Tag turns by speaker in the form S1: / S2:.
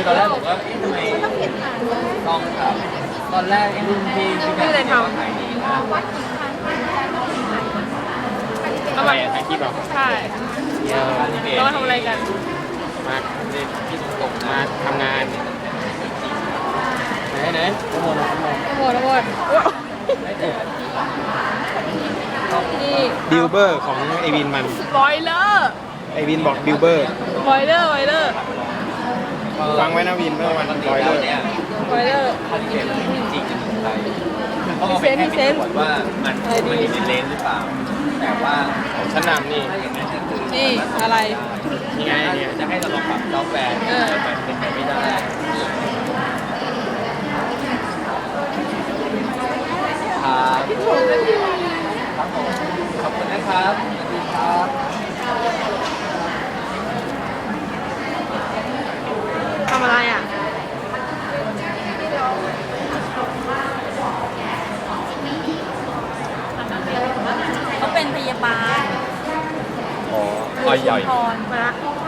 S1: ตอนแรกผมก็ทำไมต้องครับตอนแรกรุ่นพี่เลยทำขายดีนะ
S2: ทำไมถ่ายคลิปเหรอ
S3: ใช่เรามาทำอะไรกัน
S2: มาเล่นพี่ตรงมาทำงานไหนโอ้โห
S3: ทั้งหมดนี่
S2: บิลเบอร์ของไอวินมัน
S3: บอยเลอร์
S2: ไอวินบอกบิลเบอร์
S3: บอยเลอร์
S2: ฟังไว้นะวินเมื่อวันร้อยเลย
S1: เนี่ย
S3: บอยเลอร์
S1: คอนเทนต์มันจริงๆในไทยเขาเอาไปแค่พิสูจน์ว่ามันอยู่ในเลนหรือเปล่าแต่ว่า
S2: ของชั้นนำนี่
S1: ถ้าอย่างนั้นก็คือ
S3: นี่อะไร
S2: นี่ไงเนี่ย
S1: จะให้เราลองปรับซอฟต์แวร์มันเป็นไปไม่ได้ครับครับผมขอบคุณนะครับสวัสดีครับ
S3: ทำอะไรอ่ะ
S4: เขาเป็นพยาบาล
S1: อ๋อใหญ่
S4: พร
S3: มาละ